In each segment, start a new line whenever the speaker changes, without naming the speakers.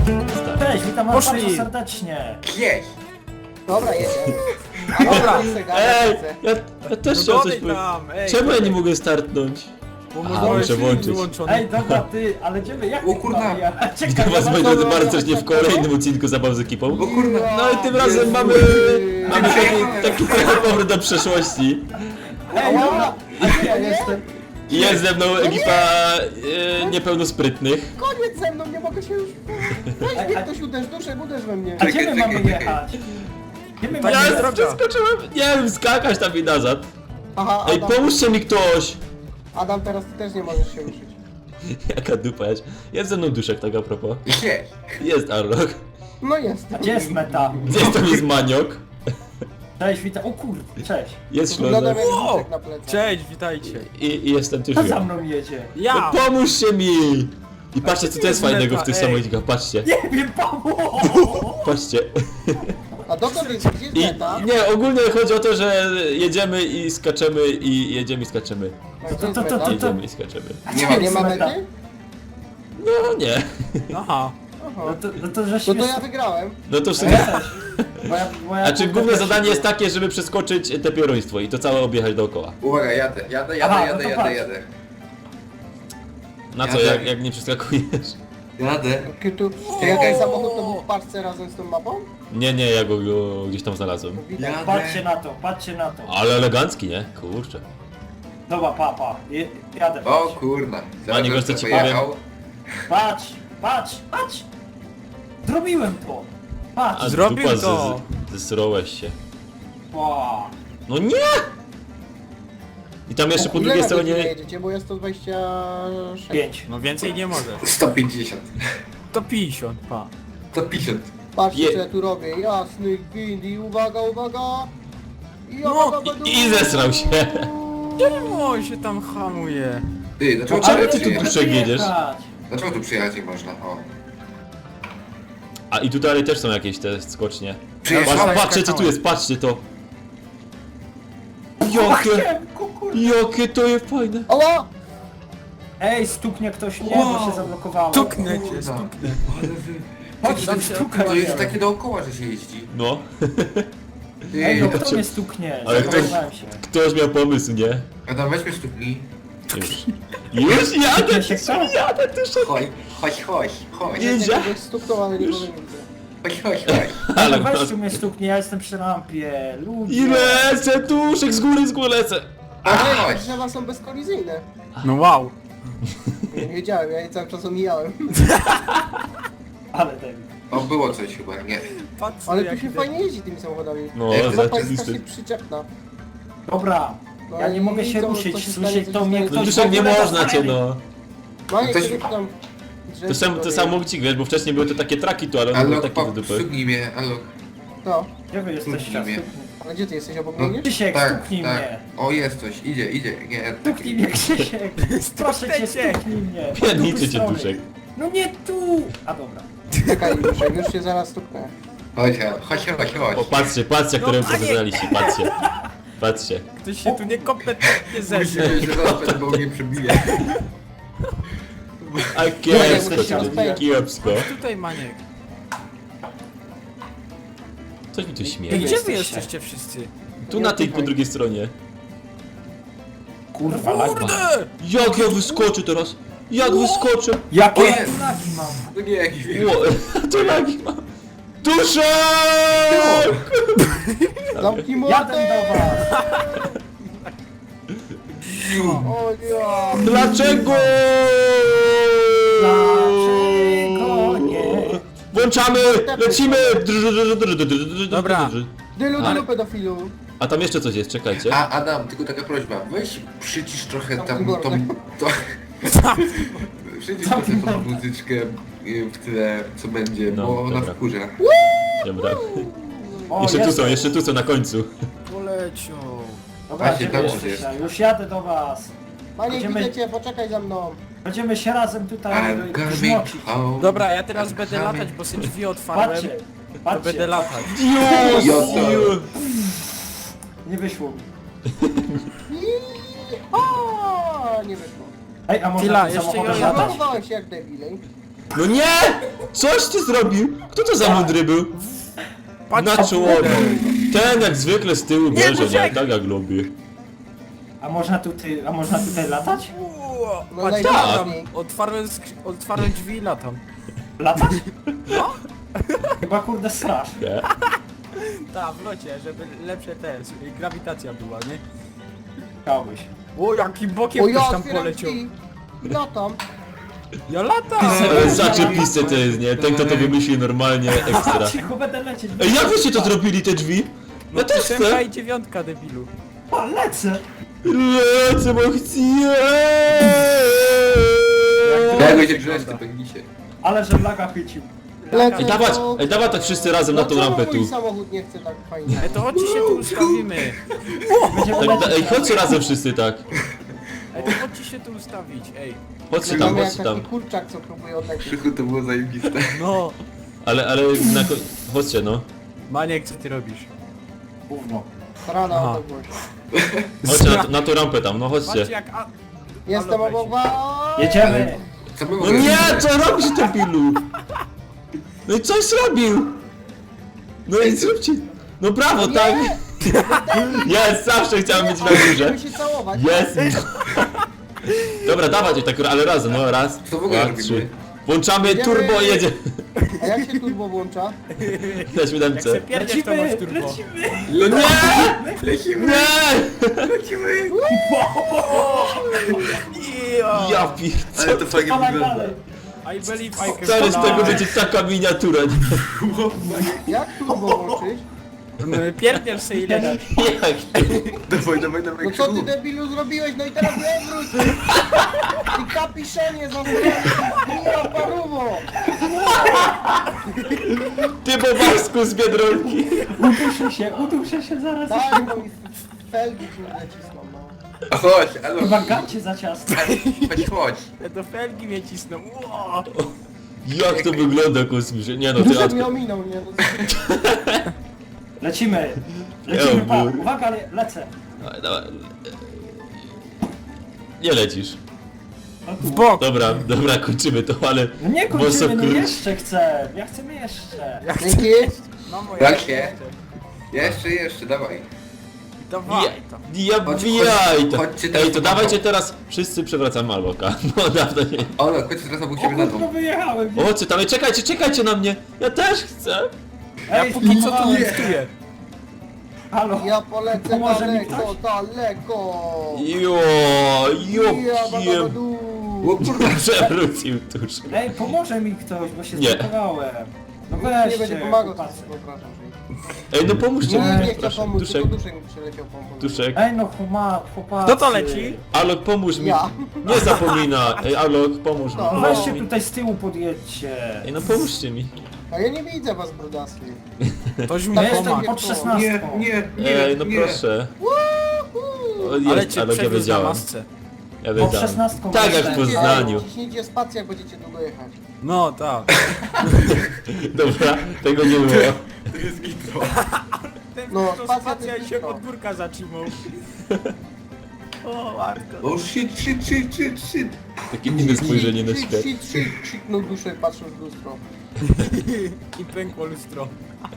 Cześć, witam was
Poszli.
bardzo serdecznie.
Gdzieś!
Dobra, jedziemy. Dobra,
Ej, ja też chciałem coś powiedzieć. Czemu ja nie mogę startnąć?
Bo
Aha,
może
muszę włączyć.
wyłączony.
Ej, dobra, ty, ale idziemy, jak
O
ty
kurna.
mamy jechać?
Witam
Czekaj,
was, moi
ja
drodzy, bardzo serdecznie w kolejnym odcinku Zabaw z ekipą.
O kurna!
No i tym razem mamy taki trochę powrót do przeszłości.
Ej, dobra, a gdzie ja jestem?
I jest ze mną ekipa niepełnosprytnych.
koniec ze mną, nie mogę się już... Weź mnie ktoś uderz, uderz we mnie.
A gdzie my
Czekaj,
mamy
czekaj.
jechać? Gdzie my
Ja
mamy
Ja
jest
jechać?
droga.
przeskoczyłem, nie wiem, skakać tam i nazad.
Aha,
Ej,
Adam,
pomóżcie mi ktoś!
Adam, teraz ty też nie możesz się ruszyć.
Jaka dupa jest. Jest ze mną Duszek, tak a propos.
Gdzieś!
Jest Arlok.
No jest.
A gdzie jest meta?
Jest tam jest Maniok.
Cześć, witam. O kurde, cześć.
Jest
Wyglądam
Ślązak.
jak
Wow.
Duszek na plecach.
Cześć, witajcie.
I jestem też
Kto za
ja.
mną jedzie?
Ja!
No pomóżcie mi! I patrzcie, co to jest fajnego w tych
Ej.
samochodach, patrzcie.
Nie wiem, pomóż!
Patrzcie.
A dokąd jest? Gdzie jest
I
meta?
nie, ogólnie chodzi o to, że jedziemy i skaczemy i jedziemy i skaczemy.
A gdzie jest
to-
meta?
Jedziemy i skaczemy.
Nie ma
Nie ma
meta.
mety?
No nie.
Aha.
No
Aha.
to
No
żeśmy...
to ja wygrałem.
No to w
Ja
sumie...
też. Moja
Znaczy główne
też
zadanie
była.
jest takie, żeby przeskoczyć te pieruństwo i to całe objechać dookoła.
Uwaga, jadę.
Aha, no to patrz.
Na co,
Jadę.
jak nie przeskakujesz?
Jadę.
Tu, czy jak ten samochód to był w paczce razem z tą mapą?
Nie, ja go gdzieś tam znalazłem.
Widać.
Jadę.
Patrzcie na to, patrzcie na to.
Ale elegancki, nie? Kurczę.
Dobra, jadę.
O
patrz.
kurna.
Maniek, wiesz, co ci powiem?
Patrz! Zrobiłem to! Patrz!
A
Zrobił
dupa,
to.
zesrołeś się.
Wow.
No nie! I tam jeszcze po
Ile
drugiej
na godzinę
stronie...
jedziecie, bo jest 126.
5.
No więcej nie możesz.
150.
To 50, pa.
150.
Patrzcie
Je-
co ja tu robię, jasny gwint i uwaga! I
No,
I zesrał się.
Czemu on się tam hamuje?
Ty, dlaczego
Ale
tu
ty tu
przyjechać?
Duszek jedziesz?
Dlaczego tu przyjechać nie można? O.
A i tutaj też są jakieś te skocznie.
Przyjechałem.
Patrzcie co tu jest, patrzcie to. Jakie, jakie to jest fajne.
Ała!
Ej, stuknie ktoś mnie, bo się zablokowało.
Stuknę cię,
Kurna.
stuknę.
Ale wy...
Chodź,
Tam
tam
się
stukaj.
To jest takie dookoła, że się jeździ.
No.
Ty,
Ej, no
to
kto
cię-
mnie stuknie?
Ale ktoś-
Zablokowałem się.
Ktoś miał pomysł, nie?
Adam, weźmy sztuki.
Już. Już jadę,
Stuknie się kto?
jadę, ty
Chodź.
Nie.
Jest kogoś stuknął, ale nikogo nie widzę.
Chodź.
Ale
Ale
masz...
weź tu mnie stuknie, ja jestem przy lampie. Ludzie.
I lecę, Duszek, z góry lecę.
Ale drzewa są bezkolizyjne.
No wow.
Nie wiedziałem, ja je cały czas omijałem.
Ale ten.
O, było coś chyba, nie.
Patrz,
Ale
jak
tu się
idę.
fajnie jeździ tymi samochodami.
No,
Jak
Mapa jest
zajebisty.
strasznie przyczepna.
Dobra.
No
Ja
i
nie mogę się
to-
ruszyć,
to się
słyszę
stanie,
to
coś
mnie
stanie.
No
ktoś...
Duszek, nie
w ogóle
można cię,
zostawi.
no.
No i
Ktoś-
kiedy tam...
To sam samochód, wiesz, bo wcześniej były to takie traki tu, ale one były
Alok,
takie do dupy.
stuknij mnie, Alok.
No,
Gdzie wy jesteście?
Stuknij mnie.
ale gdzie ty jesteś, obok
No,
mnie?
Krzysiek,
tak,
stuknij
tak.
mnie.
O, jest coś, idzie, nie.
Stuknij mnie, Krzysiek. Proszę cię, stuknij mnie.
Pierdniczy cię,
Strony.
Duszek.
No nie tu! A dobra.
Czekaj, już się zaraz stuknę.
Chodź.
Popatrzcie, jak to
No,
reprezentowaliście, patrzcie.
Ktoś się tu niekompetentnie zeszł.
Myślę, że zaraz będę mnie przebije.
A
Nie,
kiepsko,
muszę się
cię,
rozpędzić.
kiepsko.
Tutaj Maniek.
Coś mi tu
Ej,
śmieje.
gdzie wy
jesteście?
jesteście wszyscy?
Tu na tej po drugiej stronie.
Kurwa, lagma.
Kurde!
Jak ja wyskoczę teraz? Jak wyskoczę?
Jakie
O, jest.
lagi mam?
To nie jakiś wirus.
Ło, to lagi mam. Duszek!
Zamknij mordę!
Jadę do was.
O nie!
Dlaczego?
Dlaczego nie?
Włączamy! Lecimy!
Dobra.
Dylu, pedofilu!
A tam jeszcze coś jest, czekajcie.
A Adam, tylko taka prośba, weź przycisz trochę tam tą... Przycisz trochę tą muzyczkę w tyle, co będzie,
No,
bo ona
dobra.
wkurza.
Dobra.
O,
Jeszcze tu są na końcu.
Poleciał.
Dobra,
Właśnie,
gdzie
tam
wy
jest.
jesteście? Już jadę do was.
Panie,
Będziemy-
widzę cię, poczekaj za mną.
Będziemy się razem tutaj
I'm coming
grzmocić.
home.
Dobra, ja teraz
I'm
będę
coming.
latać, bo sobie drzwi otwarłem.
Patrzcie,
To
patrzcie.
będę latać.
Nie wyszło mi.
O, nie wyszło.
Ej, a może
Chwila,
tym
jeszcze
samochodem
ja-
latać?
Zablokowałem się jak debilej.
No nie! Coś ty zrobił? Kto to za mądry był?
Patrz,
Na czołowie. Ten jak zwykle z tyłu bierze, nie?
poczekaj.
Tak jak lubię.
A można tutaj latać?
No
Patrz,
najbardziej.
otwarłem drzwi i latam.
Latać? No. Chyba kurde strasz.
Nie?
Tak, w locie, żeby lepsze grawitacja była, nie?
Chciałbyś.
O, jakim bokiem
O,
ktoś
ja
tam
otwieram
poleciał.
drzwi. Latam.
Ja latam!
Ale zaczepiste to jest, nie? Ten kto to wymyślił normalnie ekstra.
Cicho, będę lecieć.
Ej, jak wyście to zrobili, te drzwi? Ja też
Ósemka
chcę!
i dziewiątka, debilu.
O, lecę!
Lecę, bo chcę!
Ja go się grzesz, ty pęknisie.
Ale że laga chwycił.
Ej, dawać tak wszyscy razem na tą
Dlaczego
rampę tu.
mój samochód nie chce tak fajnie?
Ej, to chodźcie się tu ustawimy.
Będziemy
Tak,
lecieć.
ej, chodźcie razem wszyscy tak.
Ej, to chodźcie się tu ustawić, ej.
Chodźcie tam,
Mamy jak
chodźcie
taki
tam.
kurczak, co próbuje odlecieć.
Krzychu to było zajebiste.
No.
Ale na chodźcie no.
Maniek, co ty robisz?
Gówno.
Rana
Aha.
o to głośno.
Chodźcie na tą rampę tam, no
Patrzcie
chodźcie.
jak...
Jestem
Halo,
obok was!
Jedziemy!
Co my
No
możemy
nie,
zrobić?
co robisz ty pilu? No i coś zrobił! No i zróbcie. No brawo, tak! Jest, zawsze chciałem być na górze.
Chcemy się całować.
Jest! Dobra, dawać tak, ale razem, no raz,
Co w ogóle
dwa,
robimy?
trzy. Włączamy
Jedziemy.
turbo i jedzie.
A jak się turbo włącza?
Na
Jak se
siódemce.
pierdziesz, to masz turbo.
lecimy!
No nie!
Lecimy!
Nie!
Lecimy!
Ja
Ale
pierdolę.
to fajnie
Dawaj
wygląda.
dalej!
I believe I can
Stary, z
fly.
tego będzie taka miniatura. nie?
Jak turbo włączyć?
Pierdziesz se i lecisz.
Jak?
Dawaj, dawaj, dawaj,
No co ty
Krzychu.
debilu zrobiłeś? No i teraz nie wróć! Ty kapiszenie za paruwo!
Ty bobasku z Biedronki.
Uduszę się zaraz.
Daj, bo mi felgi kurde cisną, no.
A chodź, alo.
Chyba gacie za ciasno.
Chodź.
Do felgi mnie cisną. Ło!
Jak to wygląda kosmicznie? Nie no, ty
Duże
łatwo.
mi ominął, nie? No,
Lecimy! Lecimy, pa!
Eubur.
Uwaga, lecę!
Dawaj, dawaj. Nie lecisz.
No
W
tu.
bok!
Dobra, kończymy to, ale...
No nie
Boso
kończymy, no
kurcz.
jeszcze chcę! Ja chcę jeszcze!
dzięki.
No moje.
Jak się? Jeszcze, dawaj.
Dawaj to.
Ja
Chodź,
bijaj to.
chodźcie teraz
Ej, to
na
dawajcie
bok.
teraz wszyscy przewracamy Alboka. No dawno nie.
Olo, chodź teraz obok
O
siebie na
kurwa,
dół.
wyjechałem!
O, chodźcie tam, ej, czekajcie na mnie. Ja też chcę.
Ja
Ej,
póki co tu
nie.
listuję.
Halo!
Ja polecę
Pomoże mi
daleko, daleko!
Jo,
Ja
kiem.
babadu!
O kurwa.
Przewrócił tuż.
Ej, pomoże mi ktoś, bo się
Nie.
zblokowałem! No
Nie
weźcie,
będzie pomagał,
chłopacy.
przepraszam.
Ej, no pomóżcie
Nie,
mi,
nie chcę
proszę.
pomóc,
Duszek,
tylko duszek mi przyleciał pomóc.
Duszek.
Ej no chłopacy!
Kto to leci?
Alok, pomóż mi.
Ja.
Nie zapomina. Ej, Alok, pomóż mi.
No.
Weźcie tutaj z tyłu podjedźcie!
Ej, no pomóżcie mi.
A ja nie widzę was, brudasy.
Ktoś mi
Ja jestem
pomaga.
pod 16!
Ej, no proszę. O, jest,
Ale cię
Alok, ja
przewiózł na
wiedziałem.
masce.
Ja
Pod
wiedziałem.
16
Tak jak w
jestem.
Poznaniu.
Ciśnijcie spację, jak będziecie długo jechać.
No tak.
Dobra, tego nie było.
To jest gitro.
Ten
No,
to
spacja
spacja
to
się
wszystko.
od górka zatrzymał. O, Arko.
O shit.
Takie inne spojrzenie na świat.
Krzyknął duszek, patrząc w lustro.
I pękło lustro.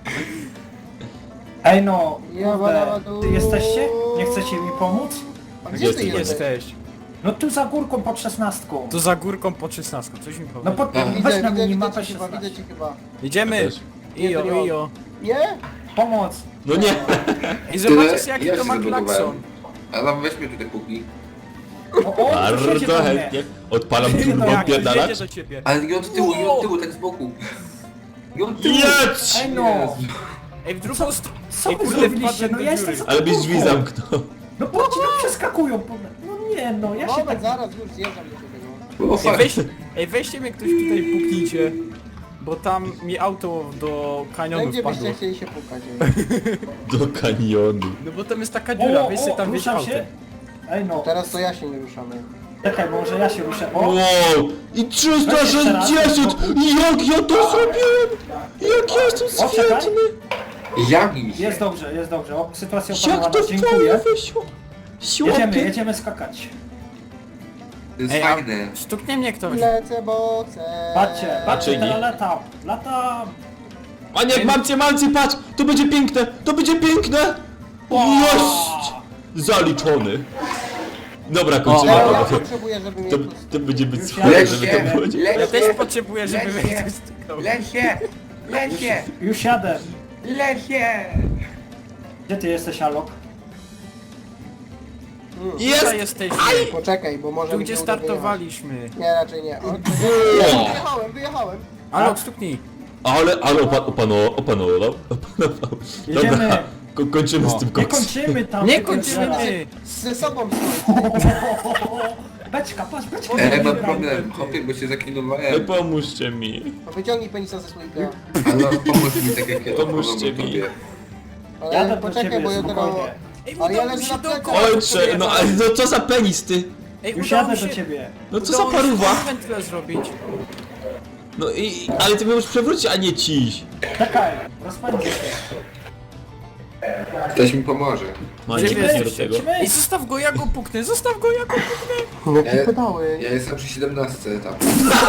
Ej no,
Ja
kurde,
badadu.
ty jesteście? Nie chcecie mi pomóc?
A
Gdzie
gdzie ty
jesteś?
jesteś?
Jesteś.
No tu za górką pod 16.
To za górką po 16. Coś mi powie.
No pod,
A.
weź na
Widzę
minimapę
cię chyba,
16.
widzę cię chyba.
Jedziemy.
Ja też.
Ijo,
Nie, to nie
ijo.
Nie?
Pomoc!
No nie.
I zobaczysz
Tyle,
jaki
ja
to
się
ma
zablokowałem.
klakson.
Ale weźmy tutaj póki.
O, tu siedzi
Bardzo
do mnie.
chętnie. Odpalam
No
turbo,
jak,
Jedzie
pierdalacz.
do ciebie.
Ale nie od tyłu, tak z boku. Nie od tyłu.
Jedź!
Ej no!
Ej, w drugą stronę.
Co
Ej,
wy
kurde,
zrobiliście?
wpadłem
No
do
ja jestem
dziury.
za
Ale
tą
byś drzwi
górką.
zamknął.
No patrzcie, no przeskakują. No nie no, ja się
Moment,
tak...
zaraz już zjeżdżam do ciebie, no.
O fuck.
Weźcie mnie ktoś tutaj puknijcie. Bo tam mi auto do kanionu
Gdzie
wpadło.
byście chcieli się pukać? ej?
Do kanionu.
No bo tam jest taka dziura, weź sobie tam wieź
ruszam
autem.
się? Ej no,
Teraz to ja się nie ruszamy.
czekaj, może ja się ruszę. O!
Wow! I 360! Jak ja to zrobiłem? Jak ja jestem
O, czekaj.
świetny!
Jami się.
Jest dobrze. O, sytuacja
Jak
opanowana,
to fajnie
dziękuję.
wyszło!
Jedziemy,
Siłapie!
jedziemy skakać.
To jest
Ej, a
fajne.
stuknie mnie ktoś.
Lecę, bo chcę.
Patrzcie,
Czyni?
teraz latam.
Maniek, mam cię, patrz! To będzie piękne! To będzie piękne! Jest! Zaliczony. Dobra, kończymy
Ja
panowie.
potrzebuję, żeby mnie
To,
tu...
to będzie być
Już
słabe,
jadę.
żeby to było.
Ja też
Lesie,
potrzebuję, żeby mnie
Lesie.
ktoś stuknął.
lesie, lesie,
Już jadę.
lesie.
Gdzie ty jesteś, Alok?
Tutaj
Jest!
jesteśmy.
Poczekaj, bo może
Tu
mi
gdzie
się uda
startowaliśmy.
wyjechać. Nie, raczej nie. O, wyjechałem.
Alok, stuknij.
Ale opanował.
Jedziemy.
Dobra, kończymy z tym
Nie
koksem.
kończymy tam.
Nie
tego
kończymy!
drzewa.
Ze sobą stoi.
Beczka, patrz, beczka.
Mam problem, hopie, bo się zaklinowałem.
No pomóżcie mi.
No wyciągnij penisa ze słoika.
Ale pomóż mi tak jak ja to
Pomóżcie
pomogę
mi.
tobie.
Ale
Jadę do
poczekaj,
ciebie,
bo ja teraz...
spokojnie.
Ej,
Ale ja
udało mi
leżę
się
na
dookoła.
plecach.
Ojcze, no ale no co za penis ty?
Ej,
Już
udało mi
jadę
się...
do ciebie.
No co za
udało mi się
paruwa?
wędkę zrobić.
No i... ale ty możesz przewrócić, a nie ciś.
Czekaj, rozpędzę się.
Ktoś mi pomoże.
Maniek,
Gdzie wy
nie do
jesteście?
tego.
Ej, zostaw go, ja go puknę, zostaw go, ja go puknę.
Jakie pedały.
Ja jestem przy 17 etapie.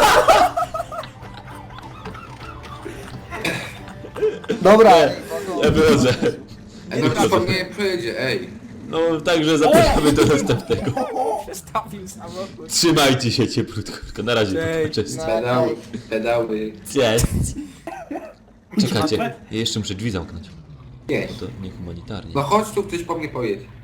Dobra.
Ja wychodzę.
No kto po mnie pojedzie, ej.
No także zapraszamy do następnego.
Przestawił samochód.
Trzymajcie się cieplutko. Na razie,
Cześć.
cześć.
Pedały, pedały.
Cześć. Czekajcie, ja jeszcze muszę drzwi zamknąć.
Nie.
To niehumanitarnie.
No chodź tu, ktoś po mnie pojedzie.